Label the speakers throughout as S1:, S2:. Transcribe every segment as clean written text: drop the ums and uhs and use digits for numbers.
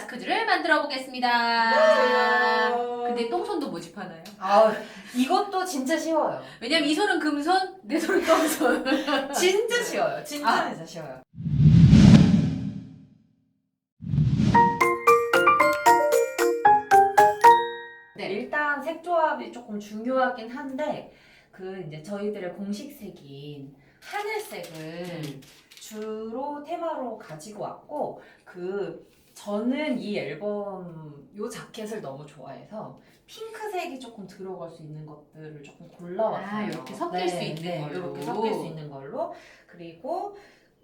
S1: 마스크줄을 만들어 보겠습니다.
S2: 안녕하세요.
S1: 근데 똥손도 모집하나요?
S2: 아, 이것도 진짜 쉬워요.
S1: 왜냐면 이 손은 금손, 내 손은 똥손.
S2: 진짜 쉬워요. 진짜
S1: 아.
S2: 진짜 쉬워요.
S1: 네.
S2: 일단 색 조합이 조금 중요하긴 한데 이제 저희들의 공식 색인 하늘색을 주로 테마로 가지고 왔고 저는 이 앨범 요 자켓을 너무 좋아해서 핑크색이 조금 들어갈 수 있는 것들을 조금 골라왔어요.
S1: 아, 이렇게 섞일 수 있는 걸로.
S2: 이렇게 섞일 수 있는 걸로. 그리고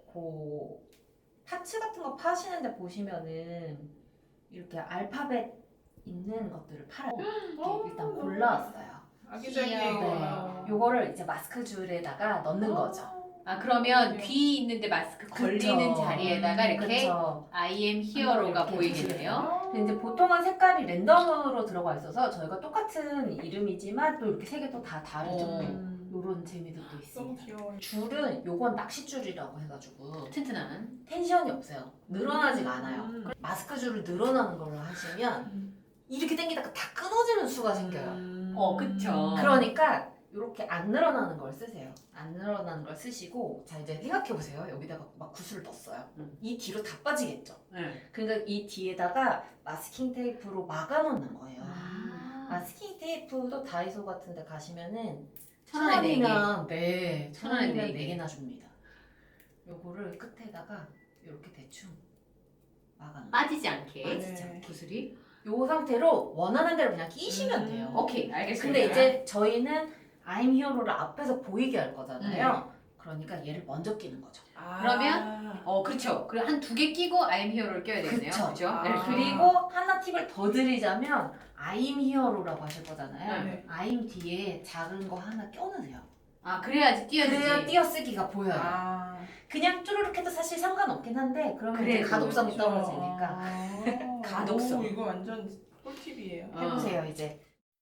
S2: 파츠 같은 거 파시는데 보시면은 이렇게 알파벳 있는 것들을 팔아요. 이렇게 일단 골라왔어요.
S3: 아기자기해요.
S2: 네. 요거를 이제 마스크 줄에다가 넣는 거죠.
S1: 아, 그러면
S3: 네.
S1: 귀 있는데 마스크 걸리는
S2: 그쵸.
S1: 자리에다가 이렇게
S2: 그쵸.
S1: I am hero가
S2: 이렇게
S1: 보이겠네요.
S2: 근데 이제 보통은 색깔이 랜덤으로 들어가 있어서 저희가 똑같은 이름이지만 또 이렇게 색이 또 다 다르죠. 요런 재미도 또
S3: 너무
S2: 있습니다.
S3: 귀여워요.
S2: 줄은 요건 낚시줄이라고 해가지고
S1: 튼튼한.
S2: 텐션이 없어요. 늘어나지가 않아요. 마스크 줄을 늘어나는 걸로 하시면 이렇게 당기다가 다 끊어지는 수가 생겨요.
S1: 그쵸.
S2: 그러니까 이렇게 안 늘어나는 걸 쓰세요. 안 늘어나는 걸 쓰시고 자 이제 생각해보세요. 여기다가 막 구슬을 떴어요. 이 뒤로 다 빠지겠죠.
S1: 네.
S2: 그러니까 이 뒤에다가 마스킹 테이프로 막아놓는 거예요.
S1: 아,
S2: 마스킹 테이프도 다이소 같은 데 가시면은
S1: 1,000원에 4개.
S2: 1,000원이면 네,
S1: 1,000원에
S2: 1,000원이면
S1: 네 개.
S2: 4개나 줍니다. 요거를 끝에다가 이렇게 대충 막아놓는
S1: 빠지지 않게.
S2: 빠지지
S3: 않게.
S1: 구슬이.
S2: 요 상태로 원하는 대로 그냥 끼시면 돼요.
S1: 오케이, 알겠습니다.
S2: 근데 이제 저희는 I'm Hero를 앞에서 보이게 할 거잖아요. 그러니까 얘를 먼저 끼는 거죠.
S1: 그러면 그렇죠. 그리고 한 2개 끼고 I am hero를 껴야 되겠네요.
S2: 그쵸.
S1: 그죠?
S3: 아.
S1: 네.
S2: 그리고 하나 팁을 더 드리자면 I'm Hero라고 하실 거잖아요.
S3: 네.
S2: I'm 뒤에 작은 거 하나 껴놓으세요.
S1: 아, 그래야지 띄어지지.
S2: 그래야 띄어쓰기가 보여요.
S3: 아.
S2: 그냥 쭈루룩 해도 사실 상관없긴 한데 그러면 이제
S1: 그래도
S2: 가독성이
S3: 그렇죠.
S2: 떨어지니까
S1: 가독성.
S3: 오, 이거 완전 꿀팁이에요.
S2: 해보세요 이제.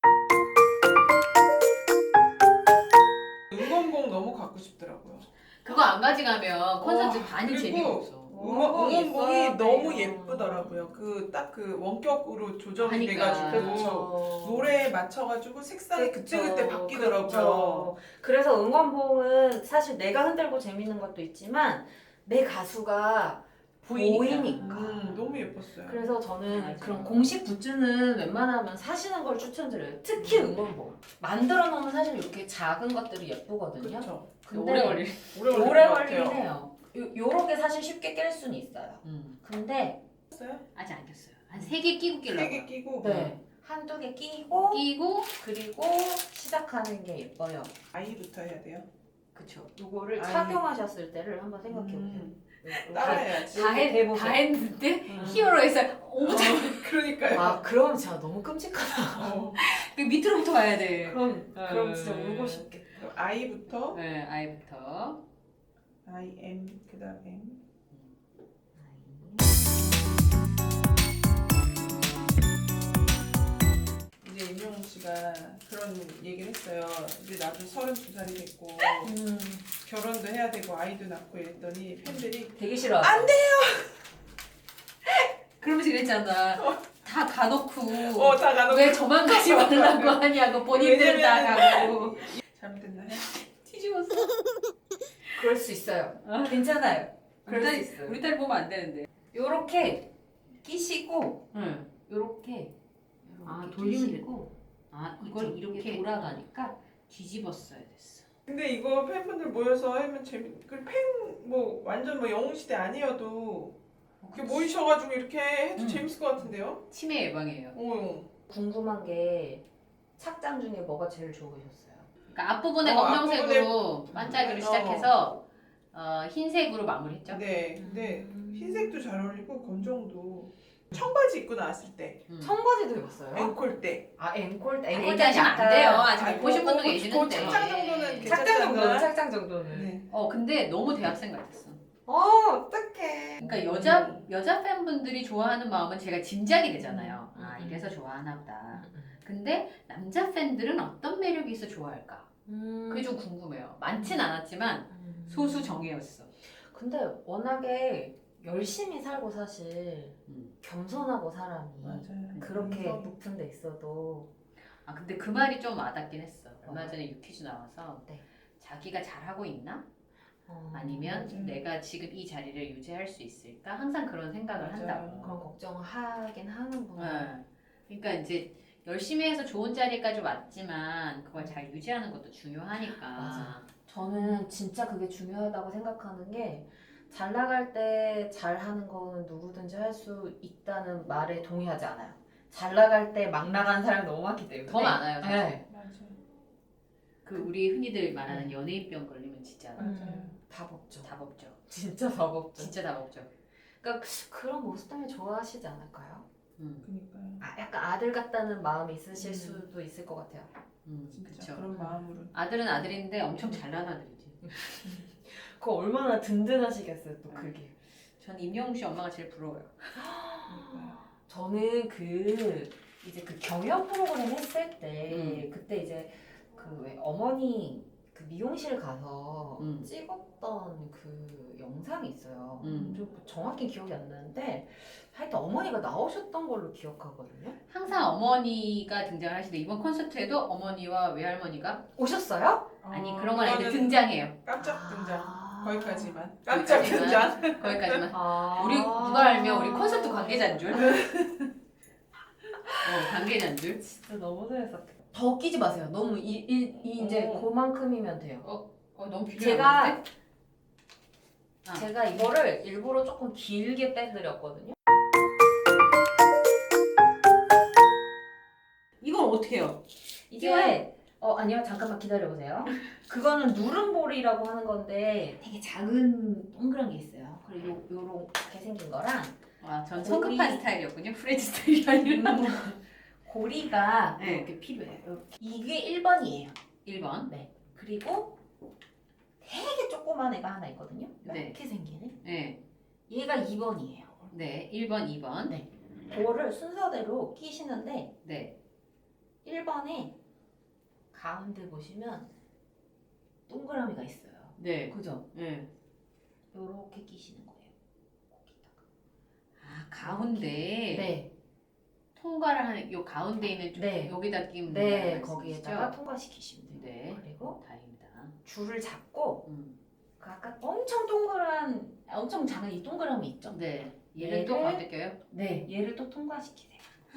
S3: 응원봉 너무 갖고 싶더라고요.
S1: 그거 안 가져가면 콘서트 반이
S3: 그리고
S1: 재미가 없어.
S3: 응원봉이
S2: 예뻐요.
S3: 너무
S2: 네.
S3: 예쁘더라고요. 딱 원격으로 조정이
S1: 하니까.
S3: 돼가지고
S2: 그렇죠.
S3: 노래에 맞춰가지고 색상이 그때그때 바뀌더라고요.
S2: 그렇죠. 그래서 응원봉은 사실 내가 흔들고 재밌는 것도 있지만 내 가수가 보이니까.
S3: 너무 예뻤어요.
S2: 그래서 저는
S1: 맞아요.
S2: 그런 공식 굿즈는 웬만하면 사시는 걸 추천드려요. 특히 응원봉. 만들어 놓으면 사실 이렇게 작은 것들이 예쁘거든요.
S3: 그렇죠.
S2: 근데
S1: 오래 걸릴.
S2: 오래 걸리긴 해요. 요렇게 사실 쉽게 깰 수는 있어요. 근데
S1: 아직 안 꼈어요. 한 3개 끼고 끼려고.
S3: 3개 끼고
S2: 네. 한두 개 끼고
S1: 끼고
S2: 그리고 시작하는 게 예뻐요.
S3: 아이부터 해야 돼요.
S1: 그쵸.
S2: 요거를
S3: 아이.
S2: 착용하셨을 때를 한번 생각해 보세요.
S3: 따라해야지.
S1: 다 했는데 히어로에서 오무 잘.
S3: 그러니까요.
S2: 아, 그럼 진짜 너무 끔찍하다.
S1: 그 밑으로부터 가야 돼.
S2: 그럼 진짜 울고 싶겠다.
S3: 그럼 아이부터
S1: 네, 아이부터.
S3: I am 그다음 M. 이제 임영웅 씨가 그런 얘기를 했어요. 이제 나도 32살이 됐고 결혼도 해야 되고 아이도 낳고 이랬더니 팬들이
S2: 되게 싫어.
S3: 안 돼!
S1: 그러면서 그랬잖아. 다 가놓고.
S3: 다 가놓고
S1: 왜 저만 가지 말라고 하냐고 본인들 다 가고.
S3: 잘못됐나요?
S1: 뒤집었어.
S2: 그럴 수 있어요. 괜찮아요. 그럴 수 있어요.
S1: 우리 딸 보면 안 되는데.
S2: 요렇게 끼시고
S1: 응.
S2: 요렇게
S1: 아, 돌리면
S2: 끼시고
S1: 이걸 이렇게
S2: 돌아가니까
S1: 뒤집었어야 됐어.
S3: 근데 이거 팬분들 모여서 하면 팬뭐 완전 뭐 영웅 시대 아니어도 이렇게 모이셔가지고 이렇게 해도 재밌을 것 같은데요?
S1: 치매 예방이에요.
S2: 궁금한 게 착장 중에 뭐가 제일 좋으셨어요?
S1: 그러니까 앞부분에 검정색으로 반짝이를 시작해서 흰색으로 마무리했죠.
S3: 네, 근데 흰색도 잘 어울리고 검정도 청바지 입고 나왔을 때
S2: 청바지도 입었어요?
S3: 앵콜 때
S2: 아 앵콜
S1: 얘기 하시면 안 돼요. 아직 못 보신 분도
S3: 그
S1: 계시는데.
S3: 착장 정도는
S2: 착장
S3: 괜찮지
S2: 정도는
S3: 않나?
S2: 착장 정도는.
S3: 네.
S1: 근데 너무 대학생 같았어.
S2: 어떡해.
S1: 그러니까 여자 팬분들이 좋아하는 마음은 제가 짐작이 되잖아요. 아, 이래서 좋아하나 보다. 근데 남자 팬들은 어떤 매력이 있어 좋아할까? 그게 좀 궁금해요. 많진 않았지만 소수 정예였어.
S2: 근데 워낙에 열심히 살고 사실
S1: 음.
S2: 겸손하고 사람이
S3: 맞아요.
S2: 그렇게
S3: 겸손.
S2: 높은 데 있어도
S1: 아 근데 그 말이 좀 와닿긴 했어. 얼마
S2: 어.
S1: 전에 유퀴즈 나와서
S2: 네.
S1: 자기가 잘하고 있나?
S2: 어,
S1: 아니면
S3: 맞아요.
S1: 내가 지금 이 자리를 유지할 수 있을까? 항상 그런 생각을
S3: 맞아요.
S1: 한다고.
S2: 그런 걱정을 하긴 하는구나.
S1: 네. 그러니까 이제 열심히 해서 좋은 자리까지 왔지만 그걸 잘 유지하는 것도 중요하니까.
S2: 맞아. 저는 진짜 그게 중요하다고 생각하는 게 잘 나갈 때 잘하는 거는 누구든지 할 수 있다는 말에 동의하지 않아요. 잘 나갈 때 막 나가는 사람이 너무 많기 때문에.
S1: 더 많아요, 사실.
S2: 네.
S3: 맞아요.
S1: 그 우리 흔히들 말하는 연예인병 걸리면 진짜
S3: 맞아요.
S2: 답 없죠.
S1: 답 없죠.
S2: 진짜 답 없죠.
S1: 진짜 답 없죠.
S2: 그런 모습 때문에 좋아하시지 않을까요?
S3: 그니까요.
S2: 약간 아들 같다는 마음이 있으실
S3: 음.
S2: 수도 있을 것 같아요.
S3: 진짜
S1: 그쵸.
S3: 그런 마음으로.
S1: 아들은 아들인데 엄청 잘난 아들이지.
S2: 그거 얼마나 든든하시겠어요, 또 그게.
S1: 전 임영웅 씨 엄마가 제일 부러워요.
S3: 그러니까요.
S2: 저는 이제 그 경연 프로그램 했을 때 그때 이제 그 왜 어머니 그 미용실 가서 찍었던 그 영상이 있어요. 좀 정확히 기억이 안 나는데 하여튼 어머니가 나오셨던 걸로 기억하거든요.
S1: 항상 어머니가 등장을 하시는데 이번 콘서트에도 어머니와 외할머니가
S2: 오셨어요?
S1: 아니 그런 건 아닌데
S3: 그거는
S1: 등장해요.
S3: 깜짝 등장.
S2: 아.
S3: 거기까지만. 깜짝
S1: 거기까지만.
S3: 등장.
S1: 거기까지만.
S2: 아.
S1: 우리 누가 알면 우리 콘서트 관계자인 줄. 관계자인 줄.
S2: 진짜 너무 재밌었겠다. 더 끼지 마세요. 너무 이제 그만큼이면 돼요.
S1: 너무
S2: 제가
S1: 아.
S2: 제가 이거를 일부러 조금 길게 빼드렸거든요.
S1: 이건 어떻게 해요?
S2: 이게 아니요 잠깐만 기다려보세요. 그거는 누름볼이라고 하는 건데 되게 작은 동그란 게 있어요. 그리고 요렇게 생긴 거랑
S1: 전
S2: 고리.
S1: 성급한 스타일이었군요. 프레드 스타일이 아니라.
S2: 고리가
S1: 네.
S2: 이렇게 필요해요. 이게 1번이에요.
S1: 1번.
S2: 네. 그리고 되게 조그만 애가 하나 있거든요.
S1: 네.
S2: 이렇게 생긴 애.
S1: 네.
S2: 얘가 2번이에요.
S1: 네. 1번, 2번.
S2: 네. 그거를 순서대로 끼시는데
S1: 네.
S2: 1번에 가운데 보시면 동그라미가 있어요.
S1: 네.
S2: 그죠?
S1: 네.
S2: 요렇게 끼시는 거예요. 거기다가.
S1: 가운데
S2: 네.
S1: 통과를 하는 요 가운데 있는 쪽
S2: 네.
S1: 여기다 끼면
S2: 네,
S1: 말씀이시죠?
S2: 거기에다가 통과시키시면 돼요.
S1: 네.
S2: 그리고
S1: 다행입니다.
S2: 줄을 잡고
S1: 음.
S2: 그 아까 엄청 동그란 엄청 작은 이 동그라미 있죠?
S1: 네. 얘는 또
S2: 얘를-
S1: 가운데 껴요?
S2: 네, 얘를 또 통과시키세요.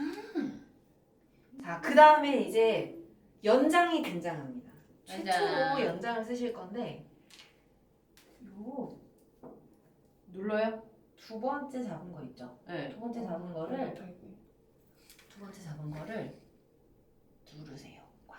S2: 자, 그 다음에 이제 연장이 등장합니다.
S1: 짜잔.
S2: 최초로 연장을 쓰실 건데 요
S1: 눌러요?
S2: 두 번째 잡은 거 있죠?
S1: 네.
S2: 두 번째 잡은 거를
S3: 못하겠네.
S2: 누르세요. 꽉.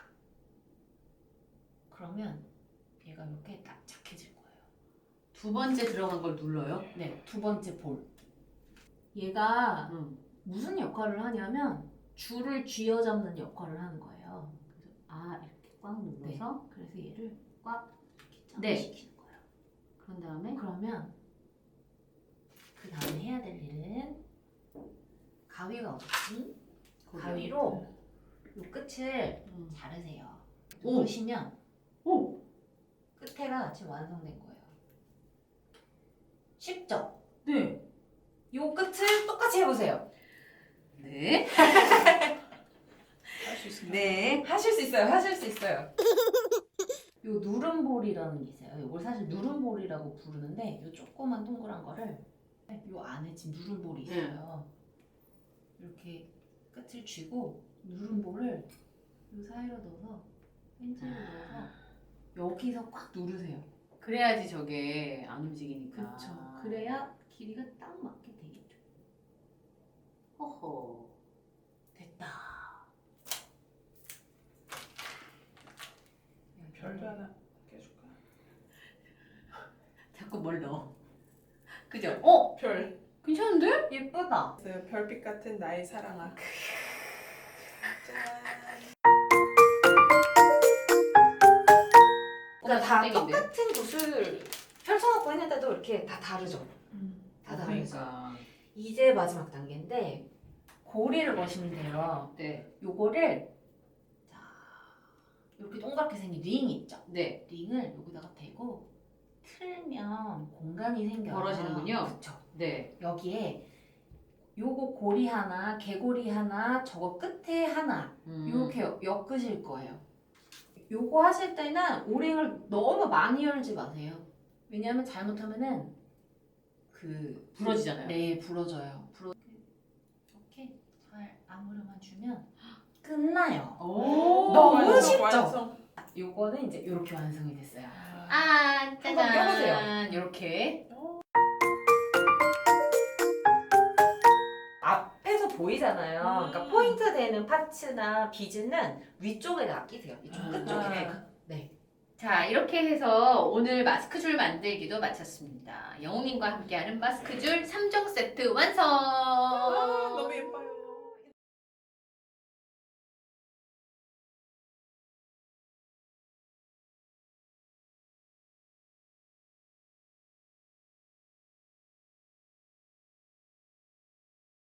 S2: 그러면 얘가 이렇게 납작해질 거예요.
S1: 두 번째 들어간 걸 눌러요?
S2: 네, 두 번째 볼. 얘가 무슨 역할을 하냐면 줄을 쥐어잡는 역할을 하는 거예요.
S1: 아, 이렇게 꽉 눌러서
S2: 그래서 얘를 꽉 이렇게
S1: 네.
S2: 잡아시키는 거예요.
S1: 그런 다음에
S2: 그러면 그 다음에 해야 될 일은 가위가 없지? 가위로 이 끝을 자르세요.
S1: 오.
S2: 누르시면
S1: 오!
S2: 끝에가 지금 완성된 거예요. 쉽죠?
S1: 네.
S2: 이 끝을 똑같이 해보세요.
S1: 네.
S3: 할 수 있을까요?
S1: 네.
S2: 하실 수 있어요. 하실 수 있어요. 요 누름볼이라는 게 있어요. 이걸 사실 누름볼이라고 부르는데 요 조그만 동그란 거를 요 안에 지금 누름볼이 있어요. 이렇게 끝을 쥐고 누름볼을 요 사이로 넣어서 펜치로 넣어서 여기서 꽉 누르세요.
S1: 그래야지 저게 안 움직이니까.
S2: 그렇죠. 그래야 길이가 딱 맞게 되겠죠.
S1: 호호.
S2: 됐다.
S3: 별도 하나 껴줄까?
S1: 자꾸 뭘 넣어. 그죠?
S3: 별.
S1: 괜찮은데?
S2: 예쁘다.
S3: 있어요. 별빛 같은 나의 사랑아. 짠.
S2: 그러니까 다
S1: 땡인데?
S2: 똑같은 붓을 펼쳐놓고 했는데도 이렇게 다 다르죠. 다 다르죠.
S1: 그러니까.
S2: 이제 마지막 단계인데 고리를 거시면 돼요.
S1: 네.
S2: 요거를 자 이렇게 동그랗게 생긴 링 있죠.
S1: 네.
S2: 링을 여기다가 대고 틀면 공간이 생겨요.
S1: 벌어지는군요.
S2: 그렇죠.
S1: 네.
S2: 여기에 요거 고리 하나, 개고리 하나, 저거 끝에 하나 이렇게 엮으실 거예요. 요거 하실 때는 오링을 너무 많이 열지 마세요. 왜냐하면 잘못하면은
S1: 부러지잖아요.
S2: 네, 부러져요. 이렇게 잘 아무르만 주면 끝나요.
S1: 오.
S2: 너무
S3: 완성,
S2: 쉽죠?
S3: 완성.
S2: 요거는 이제 이렇게 완성이 됐어요.
S1: 아, 짜잔.
S2: 한번 껴보세요.
S1: 이렇게.
S2: 앞에서 보이잖아요. 그러니까 포인트 되는 파츠나 비즈는 위쪽에다 끼세요. 이쪽 끝쪽에. 네.
S1: 자, 이렇게 해서 오늘 마스크줄 만들기도 마쳤습니다. 영웅님과 함께하는 마스크줄 3종 세트 완성!